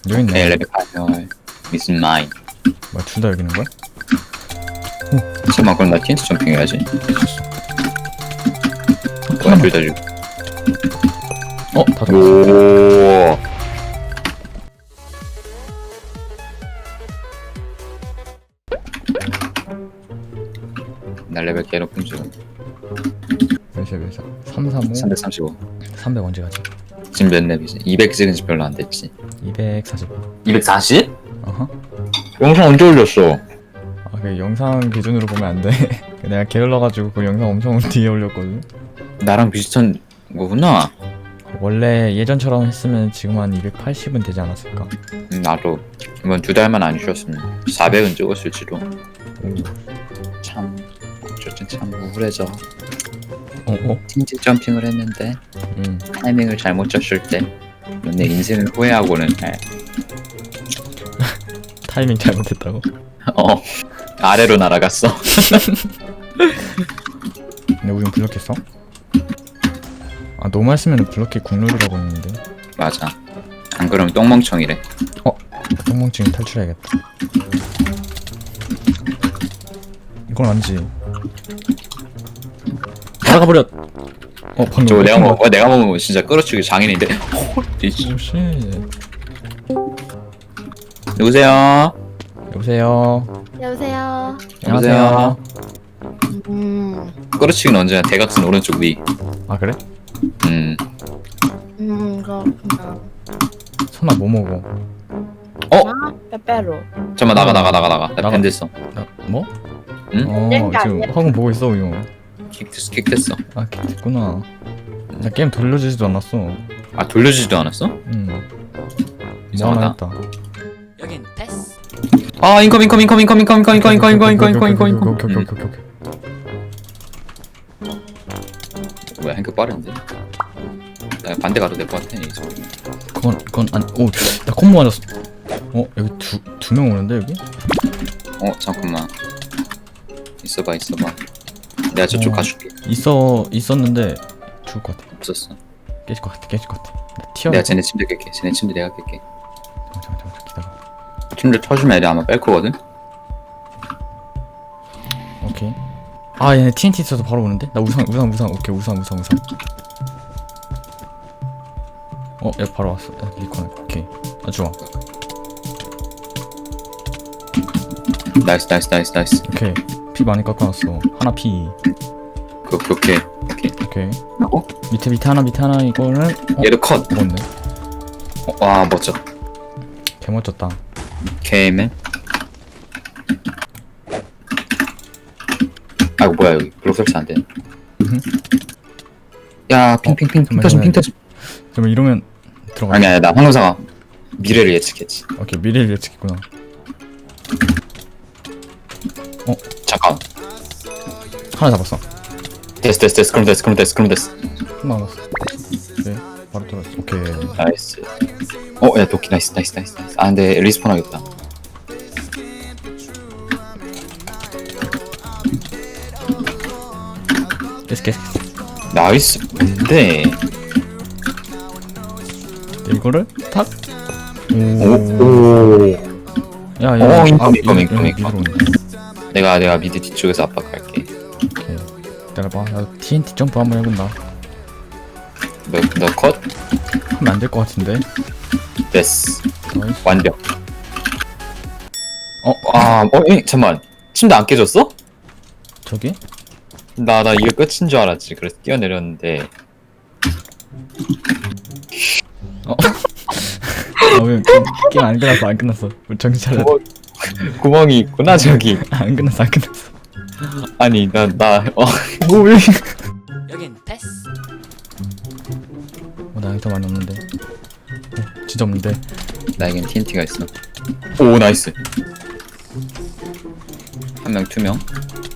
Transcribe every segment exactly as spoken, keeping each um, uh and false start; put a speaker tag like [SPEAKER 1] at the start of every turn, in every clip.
[SPEAKER 1] 여기 있네.
[SPEAKER 2] 엘레베 파이널 is mine.
[SPEAKER 1] 뭐야, 둘 다 여기 있는 거야?
[SPEAKER 2] 잠깐만, 그럼 나 티엔티 점핑 해야지. 뭐야, 둘다 주.
[SPEAKER 1] 어, 다 더.
[SPEAKER 2] 오. 나 레벨 개 높은 중.
[SPEAKER 1] 몇이야, 몇이야? 삼백삼십오?
[SPEAKER 2] 삼백삼십오.
[SPEAKER 1] 삼백 언제 가지?
[SPEAKER 2] 지금 몇 렙이지? 이백 찍은 지 별로 안 됐지.
[SPEAKER 1] 이백사십오.
[SPEAKER 2] 이백사십?
[SPEAKER 1] 어허.
[SPEAKER 2] 영상 언제 올렸어?
[SPEAKER 1] 아, 그 영상 기준으로 보면 안 돼. 내가 게을러가지고 그 영상 엄청 뒤에 올렸거든.
[SPEAKER 2] 나랑 비슷한 거구나.
[SPEAKER 1] 원래 예전처럼 했으면 지금 한 이백팔십은 되지 않았을까?
[SPEAKER 2] 음, 나도 이번 두 달만 안 쉬었으면 사백은 찍었을지도.
[SPEAKER 1] 오.
[SPEAKER 2] 참, 어쨌든 참 우울해져.
[SPEAKER 1] 어, 어?
[SPEAKER 2] 틴트 점핑을 했는데
[SPEAKER 1] 응.
[SPEAKER 2] 타이밍을 잘못 쳤을 때 내 인생을 후회하고는 해.
[SPEAKER 1] 타이밍 잘못했다고?
[SPEAKER 2] 어, 아래로 날아갔어.
[SPEAKER 1] 근데 우린 블럭했어? 아, 너무 했으면 블럭이 국룰이라고 했는데.
[SPEAKER 2] 맞아. 안 그러면 똥멍청이래.
[SPEAKER 1] 똥멍증이 탈출해야겠다. 이건 아니지. 날아가버렸! 어, 방금
[SPEAKER 2] 저거 내가
[SPEAKER 1] 어떤
[SPEAKER 2] 먹어. 내가 먹으면 진짜 끌어치기 장인인데. 홀리씨.
[SPEAKER 1] 거- 오, 쉣.
[SPEAKER 2] 누구세요?
[SPEAKER 1] 여보세요?
[SPEAKER 3] 여보세요.
[SPEAKER 1] 안녕하세요.
[SPEAKER 3] 음,
[SPEAKER 2] 끌어치기는 언제나 대각선 오른쪽 위.
[SPEAKER 1] 아, 그래?
[SPEAKER 2] 음.
[SPEAKER 3] 음, 그렇구나.
[SPEAKER 1] 선아 뭐 먹어?
[SPEAKER 3] 아, 빼빼로.
[SPEAKER 2] 잠깐만 나가 나가 나가 나가. 나
[SPEAKER 1] 나가.
[SPEAKER 2] 밴드했어.
[SPEAKER 1] 나, 뭐?
[SPEAKER 2] 응?
[SPEAKER 1] 어,
[SPEAKER 3] 땡가
[SPEAKER 1] 지금
[SPEAKER 3] 아니야.
[SPEAKER 1] 학원 보고 있어, 이거.
[SPEAKER 2] 킥됐어 킥됐어.
[SPEAKER 1] 아, 됐구나. 나 게임 돌려주지도 않았어.
[SPEAKER 2] 아 돌려주지도 않았어?
[SPEAKER 1] 응. 뭐
[SPEAKER 2] 이상하다.
[SPEAKER 1] 하나 했다.
[SPEAKER 4] 여긴 패스.
[SPEAKER 2] 아 인컴 인컴 인컴 인컴 인컴 인컴 인컴 인컴 인컴 인컴 인컴 인컴 인컴.
[SPEAKER 1] 오케이, 오케이,
[SPEAKER 2] 음.
[SPEAKER 1] 오케이, 오케이.
[SPEAKER 2] 뭐야 행크 빠른데? 나 반대 가도 될 것 같아 이제.
[SPEAKER 1] 그건, 그건, 아니, 오, 나 콤보 맞았어. 어, 여기 두, 두 명 오는데, 여기?
[SPEAKER 2] 어 잠깐만. 있어봐 있어봐. 내가 저쪽
[SPEAKER 1] 어.
[SPEAKER 2] 가줄게.
[SPEAKER 1] 있어, 있었는데, 죽을 것 같아.
[SPEAKER 2] 없었어.
[SPEAKER 1] 깨질 것 같아, 깨질 것 같아. 나 튀어.
[SPEAKER 2] 내가 쟤네 침대 깰게. 쟤네 침대 내가 깰게.
[SPEAKER 1] 잠깐, 잠깐, 잠깐, 기다려.
[SPEAKER 2] 침대 터주면 애들 아마 뺄 거거든?
[SPEAKER 1] 오케이. 아, 얘네 티엔티 있어서 바로 오는데? 나 우상, 우상, 우상. 오케이, 우상, 우상, 우상. 어, 얘 바로 왔어. 야, 리콘. 오케이. 아, 좋아.
[SPEAKER 2] 나이스 나이스 나이스 나이스.
[SPEAKER 1] 오케이. 피 많이 깎아놨어. 하나 피.
[SPEAKER 2] 그 오케이 오케이.
[SPEAKER 1] 오케이.
[SPEAKER 2] 어?
[SPEAKER 1] 밑에 밑에 하나 밑에 하나 이거는 어?
[SPEAKER 2] 얘도 컷.
[SPEAKER 1] 먹었네.
[SPEAKER 2] 어, 와 멋져.
[SPEAKER 1] 개 멋졌다.
[SPEAKER 2] 개맨. 아이고 뭐야 여기 블록 설치 안 되네.
[SPEAKER 1] 음흠.
[SPEAKER 2] 야 핑핑핑 핑
[SPEAKER 1] 잠깐만,
[SPEAKER 2] 터짐 핑
[SPEAKER 1] 잠깐만.
[SPEAKER 2] 터짐.
[SPEAKER 1] 그러면 이러면 들어가.
[SPEAKER 2] 아니 아니 나 황금사가 미래를 예측했지.
[SPEAKER 1] 오케이, 미래를 예측했구나.
[SPEAKER 2] 잠깐.
[SPEAKER 1] 하나 잡았어.
[SPEAKER 2] 됐어 됐어 됐어 그럼 됐어 그럼 됐어 그럼 됐어.
[SPEAKER 1] 하나 남았어. 오케이. 바로 들어갔어. 오케이.
[SPEAKER 2] 나이스. 어야 도끼 나이스 나이스 나이스 나이스. 아 근데 리스폰 하겠다.
[SPEAKER 1] 깨스 깨스.
[SPEAKER 2] 나이스. 근데
[SPEAKER 1] 이거를 탁. 오.
[SPEAKER 2] 오.
[SPEAKER 1] 야, 야.
[SPEAKER 2] 어, 인컴,
[SPEAKER 1] 아,
[SPEAKER 2] 인컴,
[SPEAKER 1] 이-
[SPEAKER 2] 인컴,
[SPEAKER 1] 이-
[SPEAKER 2] 인컴.
[SPEAKER 1] 밑으로 오네.
[SPEAKER 2] 내가 내가 미드 뒤쪽에서 압박할게.
[SPEAKER 1] 오케이. 기다려봐. 나 티엔티 점프 한번 해본다.
[SPEAKER 2] 너너 컷?
[SPEAKER 1] 하면 안 될 것 같은데.
[SPEAKER 2] 됐어.
[SPEAKER 1] 나이스.
[SPEAKER 2] 완벽.
[SPEAKER 1] 어,
[SPEAKER 2] 아, 어, 에, 잠만. 침대 안 깨졌어?
[SPEAKER 1] 저기?
[SPEAKER 2] 나, 나 이거 끝인 줄 알았지. 그래서 뛰어내렸는데.
[SPEAKER 1] 어? 아, 왜 게임 안 끝났어? 안 끝났어. 우리 정신 차려.
[SPEAKER 2] 구멍, 구멍이 있구나, 저기.
[SPEAKER 1] 안 끝났어, 안 끝났어.
[SPEAKER 2] 아니, 나, 나, 어.
[SPEAKER 1] 오, 왜?
[SPEAKER 4] 여긴 패스.
[SPEAKER 1] 어, 나 아이템 많이 없는데. 어, 진짜 없는데.
[SPEAKER 2] 나에겐 티엔티가 있어. 오, 나이스. 한 명, 투 명.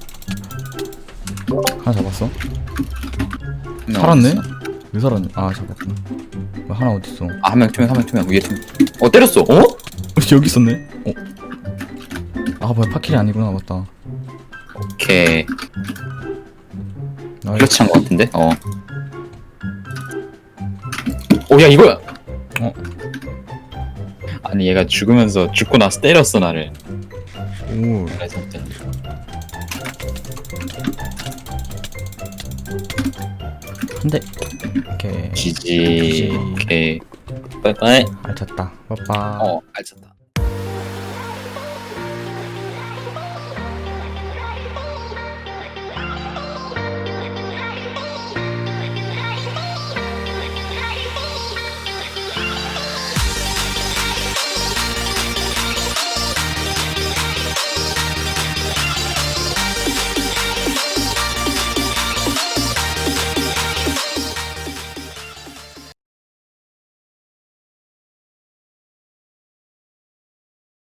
[SPEAKER 1] 하나 잡았어?
[SPEAKER 2] 한 명
[SPEAKER 1] 살았네?
[SPEAKER 2] 어딨어?
[SPEAKER 1] 왜 살았니? 아, 잡았구나. 왜 하나 어딨어? 어,
[SPEAKER 2] 아, 한 명, 투 명, 한 명, 투 명. 위에 투 명. 어, 때렸어. 어?
[SPEAKER 1] 여기 있었네? 어. 아, 뭐야, 파킬이 아니구나. 맞다.
[SPEAKER 2] 오케이.
[SPEAKER 1] 나이스.
[SPEAKER 2] 그렇지 한것 같은데? 어. 오, 야, 이거야!
[SPEAKER 1] 어.
[SPEAKER 2] 아니 얘가 죽으면서 죽고 나서 때렸어 나를.
[SPEAKER 1] 오
[SPEAKER 2] 레전드.
[SPEAKER 1] 한대 오케이
[SPEAKER 2] 지지.
[SPEAKER 1] 지지.
[SPEAKER 2] 오케이. 빠이빠이.
[SPEAKER 1] 알찼다 빠빠
[SPEAKER 2] 어 알찼다.